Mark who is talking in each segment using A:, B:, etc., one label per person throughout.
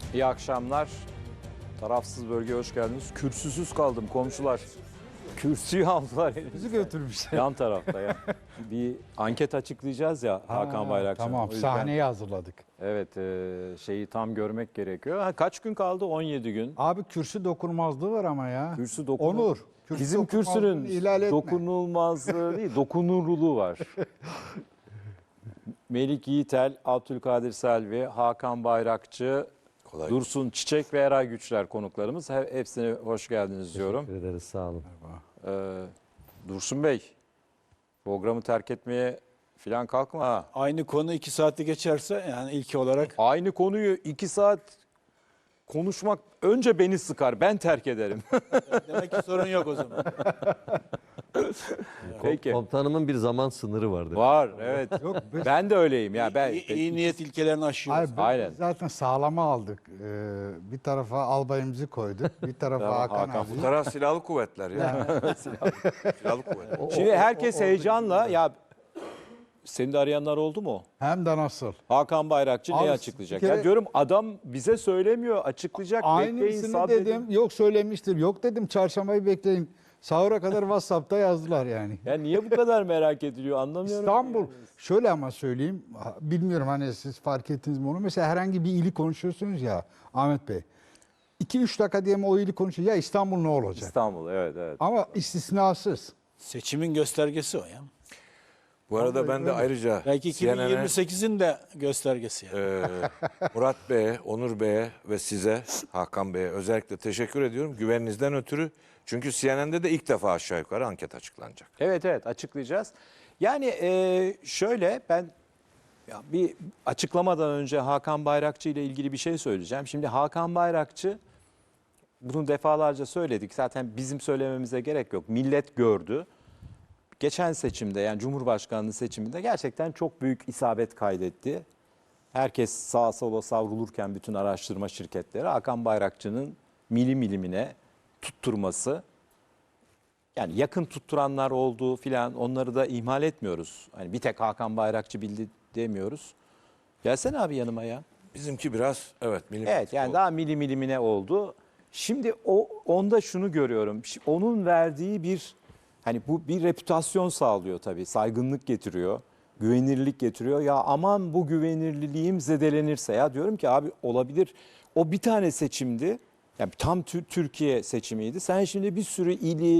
A: İyi akşamlar. Tarafsız bölgeye hoş geldiniz. Kürsüsüz kaldım komşular. Kürsüyü aldılar elimizden.
B: Bizi götürmüşler.
A: Yan tarafta ya. Bir anket açıklayacağız ya Hakan Bayrakçı'nın.
B: Tamam,
A: O yüzden,
B: sahneyi hazırladık.
A: evet, şeyi tam görmek gerekiyor. Ha, kaç gün kaldı? 17 gün.
B: Abi kürsü dokunulmazlığı var ama ya.
A: Kürsü
B: Onur. Kürsü
A: Bizim
B: dokunulmazlığını
A: kürsünün
B: ihlal etme.
A: dokunulmazlığı değil, dokunurluluğu var. Melik Yiğitel, Abdülkadir Selvi, Hakan Bayrakçı, Dursun Çiçek ve Eray Güçler konuklarımız. Hepsine hoş geldiniz diyorum.
C: Teşekkür ederiz, sağ olun.
A: Dursun Bey, programı terk etmeye falan kalkma ha.
D: Aynı konu 2 saati geçerse yani ilki olarak
A: Aynı konuyu 2 saat konuşmak önce beni sıkar, ben terk ederim.
D: demek ki sorun yok o zaman.
A: Peki.
C: Komutanımın bir zaman sınırı vardı.
A: Var, evet.
B: Yok, biz,
A: Ben de öyleyim ya. Ben
D: İyi niyet ilkelerini aşıyoruz.
B: hayır,
A: Aynen.
B: biz zaten sağlama aldık. Bir tarafa albayımızı koyduk. Bir tarafa
A: Tamam,
B: Hakan
A: Hakan.
B: abi.
E: Bu taraf silahlı kuvvetler ya. Silahlı kuvvetler.
A: Şimdi herkes heyecanla ya seni de arayanlar oldu mu?
B: Hem de nasıl?
A: Hakan Bayrakçı
B: Abi,
A: ne açıklayacak?
B: bir kere-
A: Ya diyorum adam bize söylemiyor, açıklayacak. Bekleyin,
B: Aynısını
A: sabredin.
B: dedim. Yok söylemiştir. Yok dedim çarşambayı bekleyin. Sahura kadar WhatsApp'ta yazdılar yani.
A: Ya niye bu kadar merak ediliyor anlamıyorum.
B: İstanbul. Şöyle ama söyleyeyim. Bilmiyorum hani siz fark ettiniz mi onu. Mesela herhangi bir ili konuşuyorsunuz ya Ahmet Bey. 2-3 dakika diye mi o ili konuşuyor. Ya İstanbul ne olacak?
A: İstanbul, evet evet.
B: Ama istisnasız.
D: Seçimin göstergesi o ya.
E: Bu arada ben de ayrıca
D: Belki
E: CNN'e,
D: 2028'in de göstergesi yani.
E: Murat Bey'e, Onur Bey'e ve size, Hakan Bey'e özellikle teşekkür ediyorum. Güveninizden ötürü. Çünkü CNN'de de ilk defa aşağı yukarı anket açıklanacak.
A: Evet evet açıklayacağız. Yani şöyle ben ya bir açıklamadan önce Hakan Bayrakçı ile ilgili bir şey söyleyeceğim. Şimdi Hakan Bayrakçı bunu defalarca söyledik. Zaten bizim söylememize gerek yok. Millet gördü. Geçen seçimde yani Cumhurbaşkanlığı seçiminde gerçekten çok büyük isabet kaydetti. Herkes sağa sola savrulurken bütün araştırma şirketleri Hakan Bayrakçı'nın milimine tutturması. Yani yakın tutturanlar oldu filan onları da ihmal etmiyoruz. Hani bir tek Hakan Bayrakçı bildi demiyoruz. Gelsene abi yanıma ya.
E: Bizimki biraz evet
A: Evet yani daha milimine oldu. Şimdi onda şunu görüyorum. Onun verdiği bir hani bu bir reputasyon sağlıyor tabii. Saygınlık getiriyor. Güvenirlik getiriyor. Ya aman bu güvenirliliğim zedelenirse ya diyorum ki abi olabilir. O bir tane seçimdi. Yani tam Türkiye seçimiydi. Sen şimdi bir sürü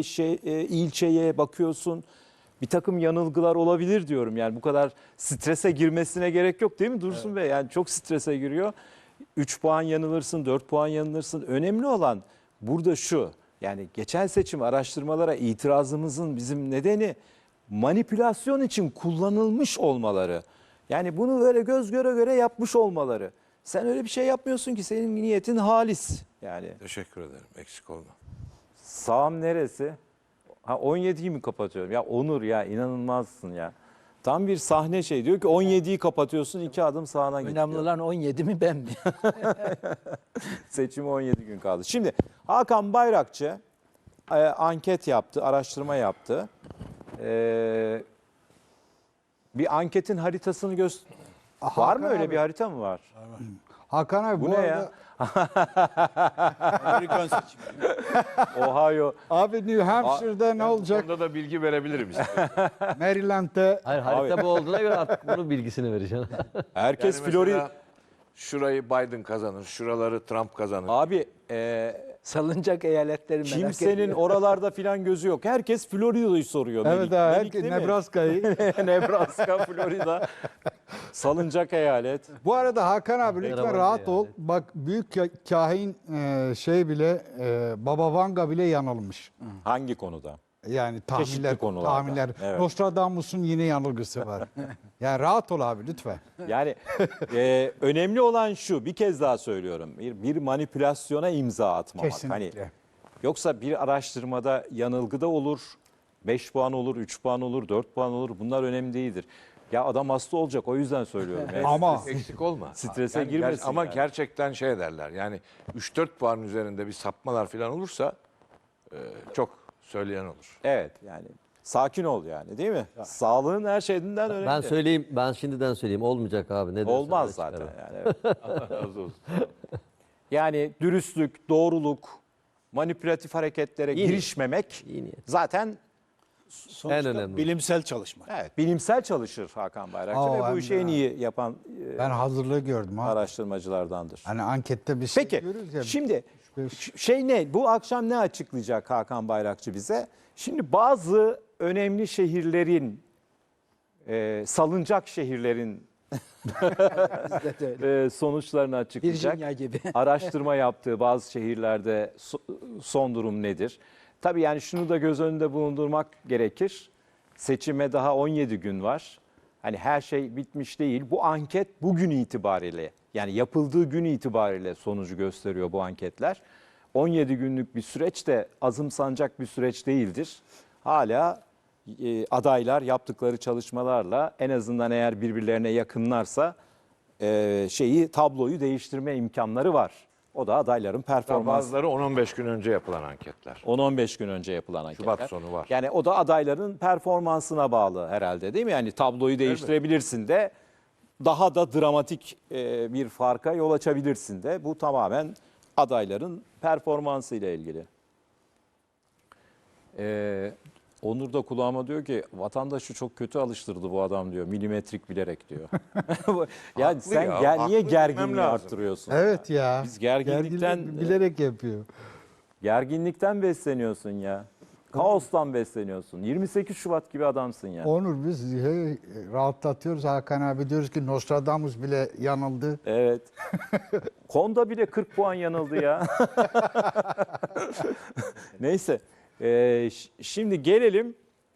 A: ilçeye bakıyorsun. Bir takım yanılgılar olabilir diyorum. Yani bu kadar strese girmesine gerek yok değil mi Dursun Bey? Yani çok strese giriyor. 3 puan yanılırsın, 4 puan yanılırsın. Önemli olan burada şu. Yani geçen seçim araştırmalara itirazımızın bizim nedeni manipülasyon için kullanılmış olmaları. Yani bunu böyle göz göre göre yapmış olmaları. Sen öyle bir şey yapmıyorsun ki senin niyetin halis. Yani
E: Teşekkür ederim. Eksik olma.
A: sağım neresi? Ha 17'yi mi kapatıyorum? Ya Onur ya inanılmazsın ya. Tam bir sahne şey diyor ki 17'yi kapatıyorsun 2 adım sağına git.
D: Önemli
A: diyor.
D: olan 17 mi ben mi?
A: Seçime 17 gün kaldı. Şimdi Hakan Bayrakçı anket yaptı, araştırma yaptı. Bir anketin haritasını var mı öyle
B: abi.
A: bir harita mı var?
B: Hakan abi
A: Bu
B: bu
A: ne
B: arada
A: ya?
D: Amerikan seçimi.
A: Ohio.
B: abi New Hampshire'da ne olacak?
E: Onda da bilgi verebilirim işte.
B: Maryland'da
C: Hayır, harita bu olduğuna göre artık bunun bilgisini vereceğim.
A: Herkes
E: Yani
A: Florida.
E: mesela şurayı Biden kazanır, şuraları Trump kazanır.
A: Abi
D: Salınacak eyaletleri merak
A: kimsenin
D: etmiyorum.
A: oralarda filan gözü yok. Herkes Florida'yı soruyor.
B: evet
A: Melik.
B: abi
A: Melik değil mi?
B: Nebraska'yı.
A: Nebraska, Florida. Salınacak eyalet.
B: Bu arada Hakan abi lütfen
C: Yabancı
B: rahat
C: yani.
B: ol. Bak büyük kahin şey bile Baba Vanga bile yanılmış.
A: Hangi konuda?
B: Yani
A: Çeşitli konularda.
B: tahminler.
A: Evet.
B: Nostradamus'un yine yanılgısı var. Yani rahat ol abi lütfen.
A: Yani önemli olan şu, bir kez daha söylüyorum. Bir manipülasyona imza atmamak.
B: Kesinlikle.
A: Hani, yoksa bir araştırmada yanılgı da olur, 5 puan olur, 3 puan olur, 4 puan olur. Bunlar önemli değildir. Ya adam hasta olacak o yüzden söylüyorum. Yani
B: Ama
E: Eksik olma.
A: Strese girmesin
E: Ama
A: yani.
E: gerçekten şey derler. Yani 3-4 puan üzerinde bir sapmalar falan olursa çok söyleyen olur.
A: Evet yani sakin ol yani değil mi? Sağlığın her şeyinden önemli.
C: Ben söyleyeyim, ben şimdiden söyleyeyim. Olmayacak abi. Ne dersen
A: Olmaz
C: öyle
A: zaten
C: çıkar.
A: yani. Evet.
E: Allah razı olsun.
A: Yani dürüstlük, doğruluk, manipülatif hareketlere
C: İyi
A: girişmemek
C: İyi niyet.
A: zaten
D: Sonuçta
C: En önemli.
D: bilimsel çalışma.
A: evet, bilimsel çalışır Hakan Bayrakçı
B: Aa,
A: ve bu
B: hem
A: işi
B: de-
A: en iyi yapan
B: Ben hazırlığı gördüm ha.
A: araştırmacılardandır.
B: Hani ankette bir şey
A: Peki
B: görürüz ya.
A: şimdi
B: beş-
A: şey ne? Bu akşam ne açıklayacak Hakan Bayrakçı bize? Şimdi bazı önemli şehirlerin, salınacak şehirlerin
D: Bizde de öyle.
A: sonuçlarını açıklayacak.
D: Virginia gibi.
A: Araştırma yaptığı bazı şehirlerde son durum nedir? Tabii yani şunu da göz önünde bulundurmak gerekir. Seçime daha 17 gün var. Hani her şey bitmiş değil. Bu anket bugün itibariyle, yani yapıldığı gün itibariyle sonucu gösteriyor bu anketler. 17 günlük bir süreç de azımsanacak bir süreç değildir. Hala adaylar yaptıkları çalışmalarla en azından eğer birbirlerine yakınlarsa tabloyu değiştirme imkanları var. O da adayların performansı.
E: Bazıları 10-15 gün önce yapılan anketler.
A: 10-15 gün önce yapılan anketler.
E: Şubat sonu var.
A: Yani o da adayların performansına bağlı herhalde, değil mi? Yani tabloyu değiştirebilirsin de daha da dramatik bir farka yol açabilirsin de. Bu tamamen adayların performansıyla ilgili. Onur da kulağıma diyor ki vatandaşı çok kötü alıştırdı bu adam diyor. Milimetrik bilerek diyor. Yani
E: Haklı
A: sen
E: ya,
A: niye
E: haklı demem
A: gerginliği
E: lazım.
A: arttırıyorsun?
B: Evet ya.
A: Biz gerginlikten
B: bilerek yapıyor.
A: Gerginlikten besleniyorsun ya. Kaostan besleniyorsun. 28 Şubat gibi adamsın ya.
B: Onur biz rahatlatıyoruz Hakan abi, diyoruz ki Nostradamus bile yanıldı.
A: Evet. Konda bile 40 puan yanıldı ya. Neyse. Şimdi gelelim.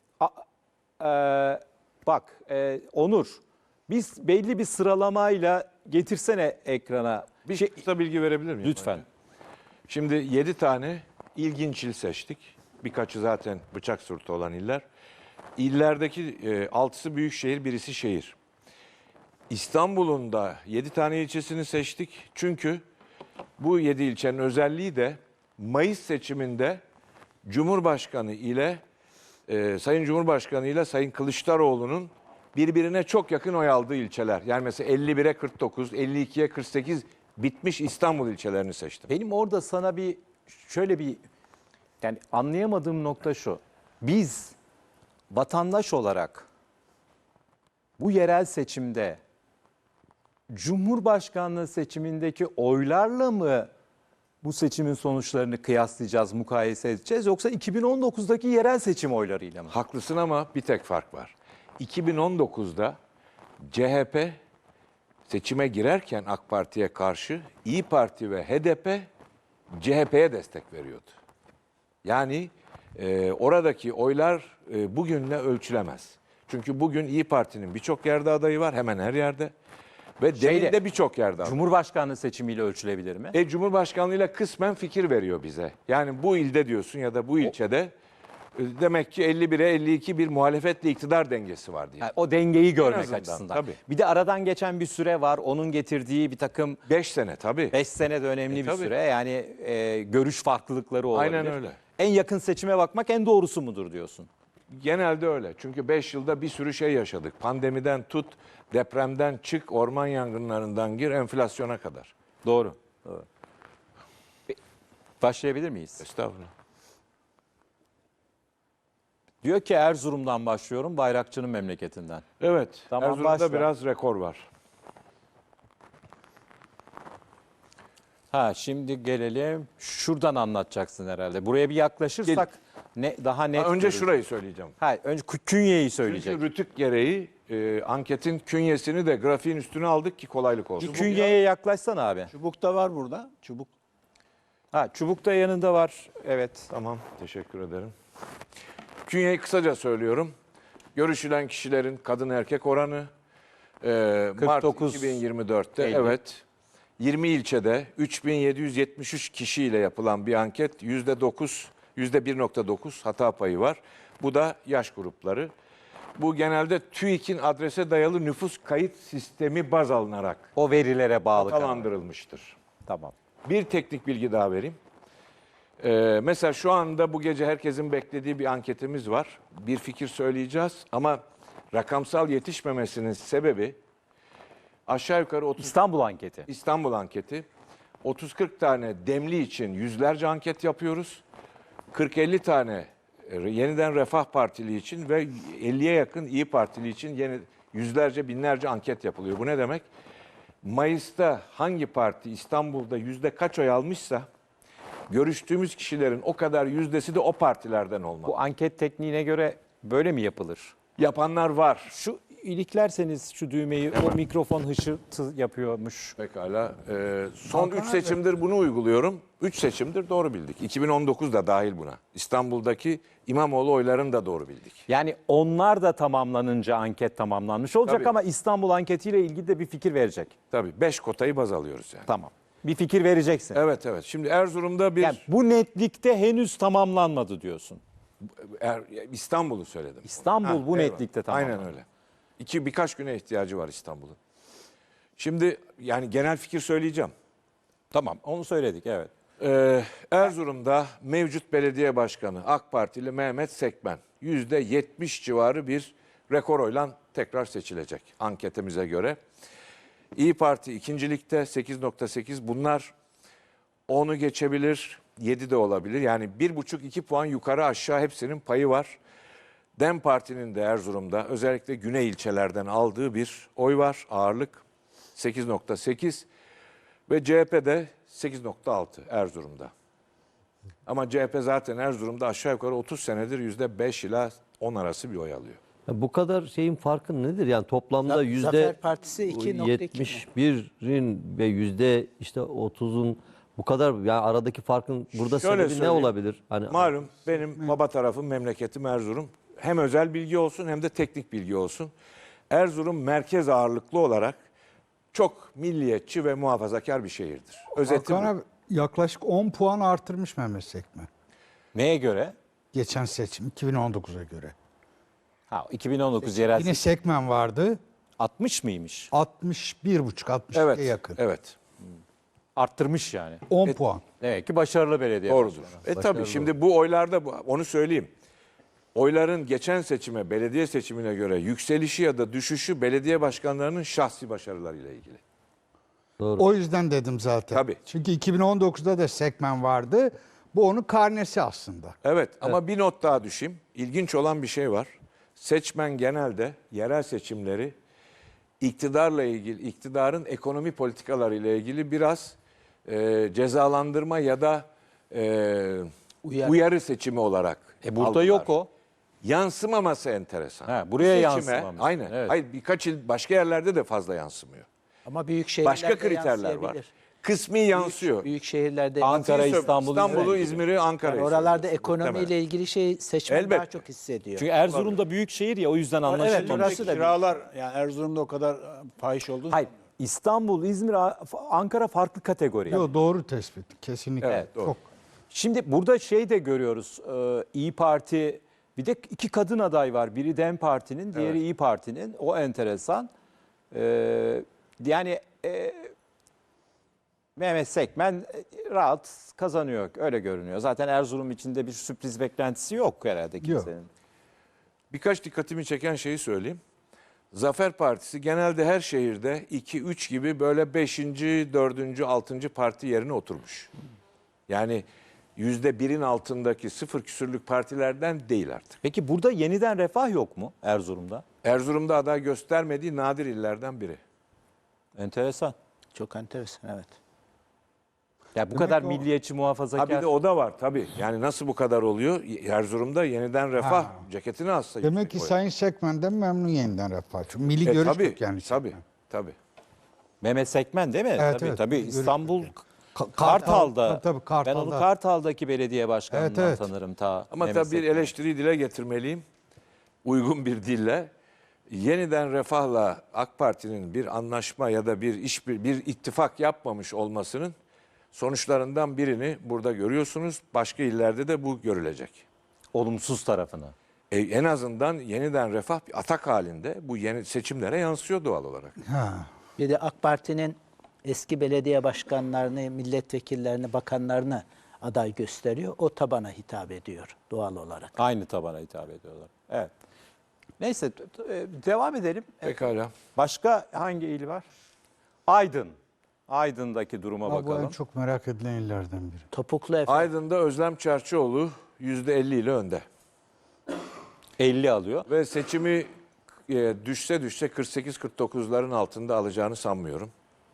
A: Onur. Biz belli bir sıralamayla getirsene ekrana.
E: Bir kısa bilgi verebilir miyim?
A: Lütfen.
E: Şimdi 7 tane ilginç il seçtik. Birkaçı zaten bıçak sırtı olan iller. İllerdeki 6'sı büyük şehir, birisi şehir. İstanbul'un da 7 tane ilçesini seçtik. Çünkü bu 7 ilçenin özelliği de Mayıs seçiminde Cumhurbaşkanı ile Sayın Cumhurbaşkanı ile Sayın Kılıçdaroğlu'nun birbirine çok yakın oy aldığı ilçeler. Yani mesela 51'e 49, 52'ye 48 bitmiş İstanbul ilçelerini seçtim.
A: Benim orada sana şöyle bir yani anlayamadığım nokta şu. Biz vatandaş olarak bu yerel seçimde Cumhurbaşkanlığı seçimindeki oylarla mı bu seçimin sonuçlarını kıyaslayacağız, mukayese edeceğiz, yoksa 2019'daki yerel seçim oylarıyla mı?
E: Haklısın ama bir tek fark var. 2019'da CHP seçime girerken AK Parti'ye karşı İyi Parti ve HDP CHP'ye destek veriyordu. Yani oradaki oylar bugünle ölçülemez. Çünkü bugün İyi Parti'nin birçok yerde adayı var, hemen her yerde. Ve demin de birçok yerde adayı.
A: Cumhurbaşkanlığı seçimiyle ölçülebilir mi?
E: Cumhurbaşkanlığıyla kısmen fikir veriyor bize. Yani bu ilde diyorsun ya da bu ilçede demek ki 51'e 52 bir muhalefetle iktidar dengesi var diye.
A: Yani o dengeyi görmek
E: azından,
A: açısından.
E: tabii.
A: Bir de aradan geçen bir süre var. Onun getirdiği bir takım
E: 5 sene tabii.
A: 5 sene de önemli bir
E: tabii.
A: süre. Yani görüş farklılıkları olabilir.
E: Aynen öyle.
A: En yakın seçime bakmak en doğrusu mudur diyorsun?
E: Genelde öyle. Çünkü 5 yılda bir sürü şey yaşadık. Pandemiden tut, depremden çık, orman yangınlarından gir, enflasyona kadar.
A: Doğru. Başlayabilir miyiz?
E: Estağfurullah.
A: Diyor ki Erzurum'dan başlıyorum, Bayrakçı'nın memleketinden.
E: Evet,
A: Tamam,
E: Erzurum'da
A: başla.
E: biraz rekor var.
A: Şimdi gelelim. Şuradan anlatacaksın herhalde. Buraya bir yaklaşırsak daha net.
E: Önce
A: görürüz.
E: şurayı söyleyeceğim.
A: Önce künyeyi
E: Çünkü
A: söyleyecek.
E: rütük gereği anketin künyesini de grafiğin üstüne aldık ki kolaylık olsun.
A: Künyeye yaklaşsana abi.
D: Çubuk da var burada. Çubuk.
A: Çubuk da yanında var. Evet.
E: Tamam, teşekkür ederim. Künyeyi kısaca söylüyorum. Görüşülen kişilerin kadın erkek oranı Mart
A: 49,
E: 2024'te
A: 50.
E: evet 20 ilçede 3773 kişiyle yapılan bir anket %1.9 hata payı var. Bu da yaş grupları. Bu genelde TÜİK'in adrese dayalı nüfus kayıt sistemi baz alınarak
A: O verilere bağlı karar.
E: hatalandırılmıştır.
A: Tamam.
E: Bir teknik bilgi daha vereyim. Mesela şu anda bu gece herkesin beklediği bir anketimiz var. Bir fikir söyleyeceğiz ama rakamsal yetişmemesinin sebebi aşağı yukarı 30
A: İstanbul anketi.
E: İstanbul anketi 30-40 tane demli için yüzlerce anket yapıyoruz. 40-50 tane yeniden Refah Partili için ve 50'ye yakın İyi Partili için yüzlerce, binlerce anket yapılıyor. Bu ne demek? Mayıs'ta hangi parti İstanbul'da yüzde kaç oy almışsa görüştüğümüz kişilerin o kadar yüzdesi de o partilerden olmalı.
A: Bu anket tekniğine göre böyle mi yapılır?
E: Yapanlar var.
A: Şu iliklerseniz şu düğmeyi, o mikrofon hışırtı yapıyormuş.
E: Pekala. Son 3 seçimdir bunu uyguluyorum. 3 seçimdir doğru bildik. 2019 da dahil buna. İstanbul'daki İmamoğlu oylarını da doğru bildik.
A: Yani onlar da tamamlanınca anket tamamlanmış olacak
E: Tabii.
A: ama İstanbul anketiyle ilgili de bir fikir verecek.
E: Tabii 5 kotayı baz alıyoruz yani.
A: Tamam. Bir fikir vereceksin.
E: Evet evet. Şimdi Erzurum'da bir
A: Yani bu netlikte henüz tamamlanmadı diyorsun.
E: İstanbul'u söyledim.
A: İstanbul bu
E: eyvallah.
A: netlikte tamamlandı.
E: Aynen öyle. Birkaç güne ihtiyacı var İstanbul'un. Şimdi yani genel fikir söyleyeceğim.
A: Tamam, onu söyledik, evet.
E: Erzurum'da mevcut belediye başkanı AK Partili Mehmet Sekmen %70 civarı bir rekor oyla tekrar seçilecek anketimize göre. İyi Parti ikincilikte 8.8, bunlar 10'u geçebilir, 7 de olabilir. Yani 1,5-2 puan yukarı aşağı hepsinin payı var. DEM Parti'nin de Erzurum'da özellikle güney ilçelerden aldığı bir oy var, ağırlık 8.8 ve CHP'de 8.6 Erzurum'da. Ama CHP zaten Erzurum'da aşağı yukarı 30 senedir %5 ila 10 arası bir oy alıyor.
C: Ya bu kadar şeyin farkı nedir? Yani toplamda
D: Zafer Partisi 2.2 mi?
C: %71'in ve %30'un bu kadar yani aradaki farkın burada
E: Şöyle
C: sebebi ne
E: söyleyeyim.
C: olabilir? Hani
E: Malum benim baba tarafım, memleketim Erzurum. Hem özel bilgi olsun hem de teknik bilgi olsun. Erzurum merkez ağırlıklı olarak çok milliyetçi ve muhafazakar bir şehirdir. Özeti
B: Hakan
E: bu.
B: abi yaklaşık 10 puan artırmış Mehmet Sekmen.
A: Neye göre?
B: Geçen seçim 2019'a göre.
A: Ha, 2019 yerel
B: Yine Sekmen vardı.
A: 60 mıymış?
B: 61,5-62'ye
E: Evet,
B: yakın.
E: evet.
A: Arttırmış yani.
B: 10 puan.
A: Demek ki başarılı belediye.
E: Doğrudur. Tabii şimdi bu oylarda onu söyleyeyim. Oyların geçen seçime, belediye seçimine göre yükselişi ya da düşüşü belediye başkanlarının şahsi başarılarıyla ilgili.
B: O yüzden dedim zaten.
E: Tabii.
B: Çünkü 2019'da da Sekmen vardı. Bu onun karnesi aslında.
E: Evet ama bir not daha düşeyim. İlginç olan bir şey var. Seçmen genelde yerel seçimleri iktidarla ilgili, iktidarın ekonomi politikaları ile ilgili biraz cezalandırma ya da uyarı seçimi olarak
A: Burada
E: algılar.
A: yok o.
E: Yansımaması enteresan.
A: Ha, buraya
E: Bu seçime,
A: yansımamış.
E: aynen.
A: Evet.
E: Hayır, birkaç il başka yerlerde de fazla yansımıyor.
D: Ama büyük şehirlerde
E: Başka kriterler var.
D: yansıyabilir.
E: Kısmi yansıyor.
D: Büyük şehirlerde
A: Ankara, İstanbul'u,
E: İstanbul'u,
A: İzmir'i.
E: İzmir'i, Ankara'yı.
D: yani oralarda
E: söylüyorsun,
D: ekonomiyle
E: muhtemelen.
D: ilgili şey seçmen daha
E: Elbette.
D: çok hissediyor.
A: Çünkü Erzurum'da büyük şehir ya, o yüzden
D: Evet,
A: anlaşılmamış.
D: orası da
F: Kiralar yani Erzurum'da o kadar fahiş olduğunu
A: Hayır, İstanbul, İzmir, Ankara farklı kategori.
B: Yok, doğru tespit. Kesinlikle.
E: Evet, doğru.
B: Çok.
A: Şimdi burada şey de görüyoruz. İyi Parti, bir de iki kadın aday var. Biri DEM Parti'nin, diğeri İyi Parti'nin. O enteresan. Yani Mehmet Sekmen rahat kazanıyor. Öyle görünüyor. Zaten Erzurum içinde bir sürpriz beklentisi yok herhalde kimsenin.
E: Birkaç dikkatimi çeken şeyi söyleyeyim. Zafer Partisi genelde her şehirde 2-3 gibi böyle 5. 4. 6. parti yerine oturmuş. Yani %1'in altındaki 0 küsürlük partilerden değil artık.
A: Peki burada yeniden refah yok mu Erzurum'da?
E: Erzurum'da aday göstermediği nadir illerden biri.
A: Enteresan.
D: Çok enteresan, evet.
A: Ya bu kadar milliyetçi, muhafazakar.
E: Ha bir de o da var tabii. Yani nasıl bu kadar oluyor? Erzurum'da yeniden refah ceketini alsa.
B: Demek ki
E: yüksek oy.
B: Sayın Sekmen'den memnun yeniden Refah. Çünkü milli görüş
E: tabii,
B: yok yani.
E: tabii,
B: Sekmen.
E: tabii.
A: Mehmet Sekmen değil mi?
B: Evet,
A: tabii
B: evet.
A: tabii.
B: Görüş
A: İstanbul
B: yok
A: Kartal'da.
B: Tabii, Kartal'da.
A: Ben onu Kartal'daki belediye başkanından
B: Evet, evet.
A: tanırım ta.
E: Ama
A: Mehmet
E: tabii bir
A: Sekmen.
E: eleştiriyi dile getirmeliyim. Uygun bir dille. Yeniden Refah'la AK Parti'nin bir anlaşma ya da bir ittifak yapmamış olmasının sonuçlarından birini burada görüyorsunuz. Başka illerde de bu görülecek.
A: Olumsuz tarafını.
E: En azından Yeniden Refah bir atak halinde bu yeni seçimlere yansıyor doğal olarak.
D: Bir de AK Parti'nin eski belediye başkanlarını, milletvekillerini, bakanlarını aday gösteriyor. O tabana hitap ediyor doğal olarak.
A: Aynı tabana hitap ediyorlar. Evet. Neyse devam edelim.
E: Pekala.
A: Başka hangi il var? Aydın. Aydın'daki duruma
B: Ha, bu en
A: bakalım.
B: çok merak edilen illerden biri.
D: Topuklu Efe.
E: Aydın'da Özlem Çerçioğlu %50 ile önde.
A: 50 alıyor.
E: Ve seçimi düşse 48-49'ların altında alacağını sanmıyorum.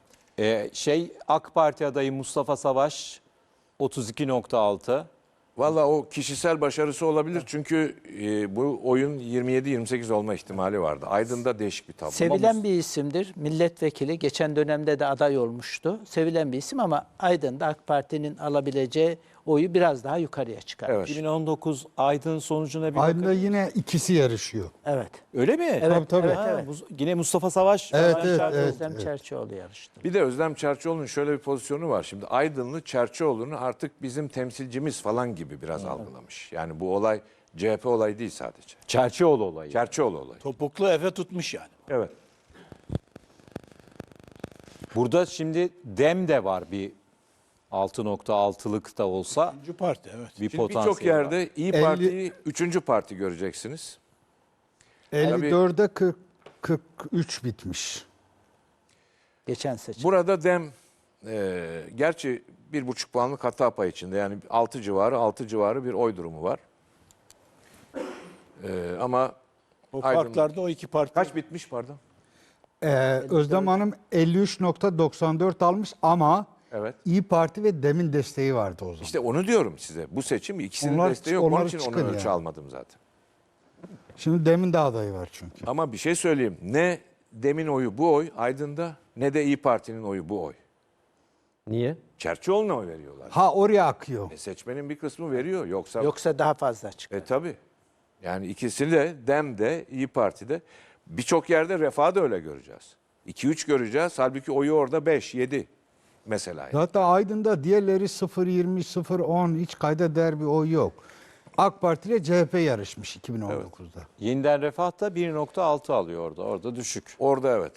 A: AK Parti adayı Mustafa Savaş 32.6.
E: Valla o kişisel başarısı olabilir çünkü bu oyun 27-28 olma ihtimali vardı. Aydın'da değişik bir tablo.
D: Sevilen bir isimdir. Milletvekili geçen dönemde de aday olmuştu. Sevilen bir isim ama Aydın'da AK Parti'nin alabileceği oyu biraz daha yukarıya çıkar.
E: Evet.
A: 2019 Aydın sonucuna bir
B: Aydın'da
A: bakın.
B: yine ikisi yarışıyor.
D: Evet.
A: Öyle mi?
D: Evet,
B: tabii.
D: evet,
A: Ha,
D: evet.
A: yine Mustafa Savaş.
B: Evet,
A: Savaş
B: evet,
A: Çerçioğlu.
B: evet.
D: Özlem Çerçioğlu yarıştı.
E: Bir de Özlem Çerçioğlu'nun şöyle bir pozisyonu var. Şimdi Aydınlı Çerçioğlu'nu artık bizim temsilcimiz falan gibi biraz algılamış. Yani bu olay CHP olayı değil sadece.
A: Çerçioğlu olayı.
E: Çerçioğlu olayı.
F: Topuklu Efe tutmuş yani.
E: Evet.
A: Burada şimdi DEM de var bir 6.6'lık da olsa
F: Üçüncü parti evet.
A: bir
E: Şimdi
A: potansiyel
E: birçok yerde İyi
B: 50
E: Parti'yi 3. parti göreceksiniz.
B: 54'e 43 bitmiş.
D: Geçen seçim.
E: Burada DEM gerçi 1,5 puanlık hata payı içinde. Yani 6 civarı bir oy durumu var. Ama
F: O
E: Aydın-
F: parklarda o iki parti.
E: kaç bitmiş pardon?
B: Özlem Hanım 53.94 almış ama
E: Evet.
B: İyi Parti ve DEM'in desteği vardı o zaman.
E: İşte onu diyorum size. Bu seçim ikisinin
B: Onlar-
E: desteği yok. Onun
B: onlar
E: için onu
B: çıkın
E: ölçü
B: yani.
E: almadım zaten.
B: Şimdi DEM'in de adayı var çünkü.
E: Ama bir şey söyleyeyim. Ne DEM'in oyu bu oy Aydın'da ne de İyi Parti'nin oyu bu oy.
C: Niye?
E: Çerçioğlu'na oy veriyorlar.
B: Ha oraya akıyor.
E: Seçmenin bir kısmı veriyor. Yoksa
D: Yoksa daha fazla çıkar.
E: tabii. Yani ikisini de DEM'de İyi Parti'de birçok yerde Refah'ı da öyle göreceğiz. 2-3 göreceğiz. Halbuki oyu orada 5-7 mesela. Yani.
B: Zaten Aydın'da diğerleri 0.20, 0.10 hiç kayda değer bir oy yok. AK Parti ile CHP yarışmış 2019'da.
A: Yeniden Refah da 1.6 alıyor orada. Orada düşük.
E: Orada evet.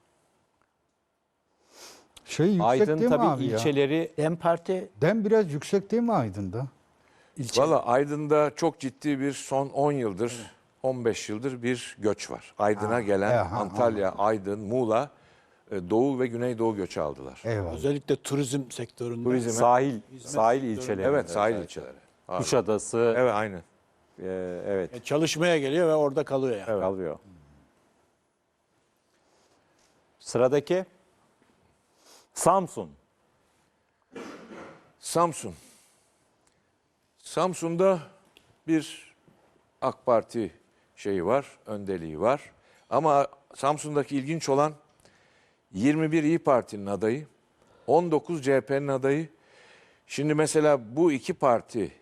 B: Şey yüksek
A: Aydın
B: değil mi
A: tabii
B: abi ya?
A: ilçeleri
D: DEM Parti
B: DEM biraz yüksek değil mi Aydın'da?
E: Valla Aydın'da çok ciddi bir son 10 yıldır, 15 yıldır bir göç var. Aydın'a gelen Antalya, Aydın, Muğla, Doğu ve Güneydoğu göçü aldılar.
B: Eyvallah.
F: Özellikle turizm sektöründe.
E: Turizme.
A: sahil ilçeleri.
E: Evet, sahil ilçeleri.
A: Kuşadası.
E: Evet, aynen.
A: Evet.
F: Çalışmaya geliyor ve orada kalıyor yani.
A: Kalıyor. Sıradaki Samsun.
E: Samsun. Samsun'da bir AK Parti şeyi var, öndeliği var. Ama Samsun'daki ilginç olan 21 İyi Parti'nin adayı, 19 CHP'nin adayı. Şimdi mesela bu iki parti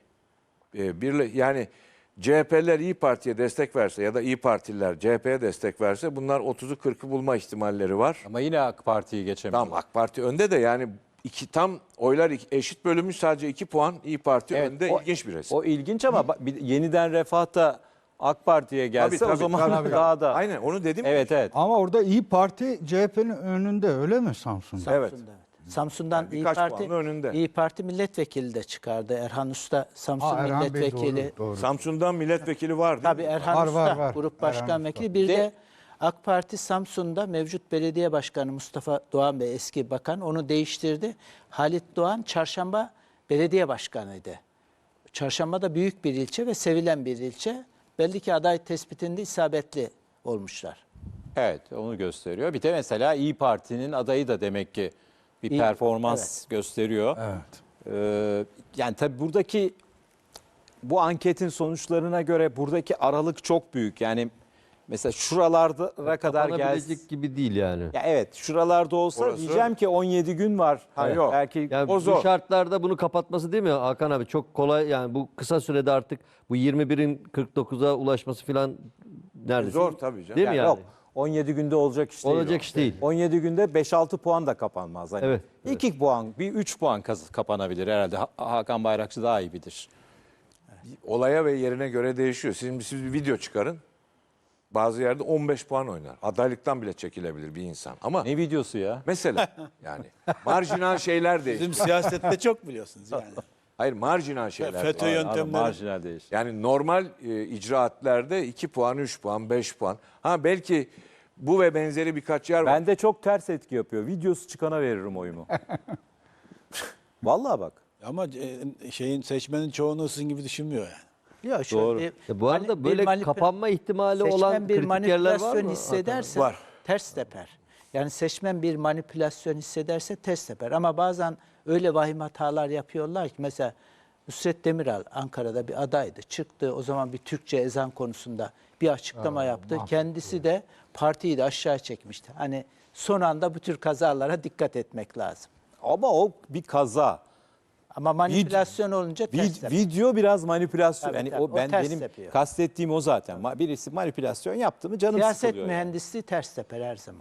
E: yani CHP'ler İyi Parti'ye destek verse ya da İyi Partililer CHP'ye destek verse bunlar 30'u 40'ı bulma ihtimalleri var.
A: Ama yine AK Parti'yi geçemiyor.
E: Tamam AK Parti önde de yani tam oylar eşit bölünmüş sadece 2 puan İyi Parti
A: Evet,
E: önde ilginç bir resim.
A: O ilginç ama yeniden Refah da AK Parti'ye gelse o zaman daha da.
E: Aynen onu dedim.
A: Evet evet.
B: Ama orada İyi Parti CHP'nin önünde öyle mi Samsun'da?
E: Evet.
D: Samsun'da, evet. Samsun'dan
E: Yani
D: İyi
E: birkaç
D: Parti
E: puanla önünde.
D: İyi Parti milletvekili de çıkardı. Erhan Usta Samsun
B: Erhan Bey
D: milletvekili.
B: doğru.
E: Samsun'dan milletvekili var değil
D: Tabii
E: mi?
D: Erhan
B: Var,
D: Usta
B: var.
D: grup
B: Erhan
D: başkan
B: Usta.
D: vekili. Bir
A: De-
D: de AK Parti Samsun'da mevcut belediye başkanı Mustafa Doğan Bey eski bakan onu değiştirdi. Halit Doğan Çarşamba belediye başkanıydı. Çarşamba da büyük bir ilçe ve sevilen bir ilçe. Belli ki aday tespitinde isabetli olmuşlar.
A: Evet onu gösteriyor. Bir de mesela İyi Parti'nin adayı da demek ki bir
D: İyi-
A: performans gösteriyor.
B: Evet.
A: Yani tabii buradaki bu anketin sonuçlarına göre buradaki aralık çok büyük. Yani mesela şuralara kadar gelsin.
C: Kapanabilecek gibi değil yani.
A: Ya evet şuralarda olsa
E: Orası-
A: diyeceğim ki 17 gün var.
E: Ha, yok.
A: Belki
C: Yani
E: O
C: bu
E: zor.
C: şartlarda bunu kapatması değil mi Hakan abi? Çok kolay yani bu kısa sürede artık bu 21'in 49'a ulaşması falan neredeyse.
E: Zor tabii canım.
C: Değil mi yani?
A: yok 17 günde olacak iş değil.
C: Olacak
A: o.
C: iş değil.
A: 17 günde 5-6 puan da kapanmaz. Hani
C: Evet,
A: 2 puan, bir 3 puan kapanabilir herhalde. Hakan Bayrakçı daha iyi bilir.
E: Olaya ve yerine göre değişiyor. Siz bir video çıkarın. Bazı yerde 15 puan oynar. Adaylıktan bile çekilebilir bir insan. Ama
A: Ne videosu ya?
E: mesela yani marjinal şeyler değişiyor.
F: Bizim siyasette çok biliyorsunuz yani.
E: Hayır marjinal şeyler.
F: FETÖ
E: var.
F: yöntemleri.
A: Marjinal değiş.
E: Yani normal icraatlerde 2 puan, 3 puan, 5 puan. Ha belki Bu ve benzeri birkaç yer var.
A: Bende çok ters etki yapıyor. Videosu çıkana veririm oyumu. Vallahi bak.
F: Ama şeyin seçmenin çoğunu sizin gibi düşünmüyor yani.
D: Ya şöyle
A: Doğru.
D: bir-
C: Bu arada
D: bir
C: böyle
D: manipü-
C: kapanma ihtimali
D: seçmen
C: olan
D: bir
C: kritik yerler var
D: manipülasyon
C: mı?
D: hissederse
E: Var.
D: ters teper. Yani seçmen bir manipülasyon hissederse ters teper. Ama bazen öyle vahim hatalar yapıyorlar ki mesela Nusret Demiral Ankara'da bir adaydı. Çıktı o zaman bir Türkçe ezan konusunda bir açıklama yaptı. Kendisi de partiyi de aşağı çekmişti. Hani son anda bu tür kazalara dikkat etmek lazım.
A: Ama o bir kaza.
D: Ama manipülasyon olunca ters teper.
A: Video biraz manipülasyon.
D: Tabii,
A: Yani
D: tabii.
A: o
D: O
A: ben
D: ters
A: benim
D: yapıyor.
A: kastettiğim o zaten. Birisi manipülasyon yaptı mı canım
D: Siyaset
A: sıkılıyor. Yani.
D: mühendisliği ters teper her zaman.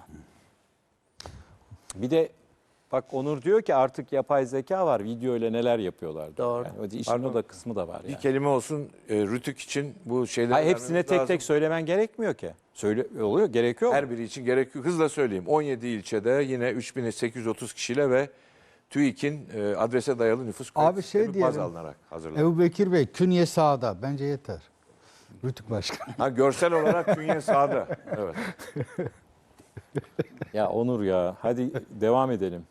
A: Bir de bak Onur diyor ki artık yapay zeka var. Video ile neler yapıyorlar. diyor.
D: Doğru.
A: Yani o işin o da kısmı da var
E: Bir
A: yani.
E: kelime olsun Rütük için bu şeyleri
A: Hayır, hepsine
E: vermemiz
A: tek
E: lazım.
A: tek söylemen gerekmiyor ki. Oluyor, gerekiyor mu?
E: Her biri için gerekiyor. Hızla söyleyeyim. 17 ilçede yine 3830 kişiyle ve TÜİK'in adrese dayalı nüfus
B: Abi
E: kayıt
B: şey
E: sistemi baz
B: diyelim.
E: alınarak hazırlandı.
B: Ebu Bekir Bey künye sağda. Bence yeter. Rütük Başkan.
E: Ha, görsel olarak künye sağda. Evet.
A: Ya Onur ya hadi devam edelim.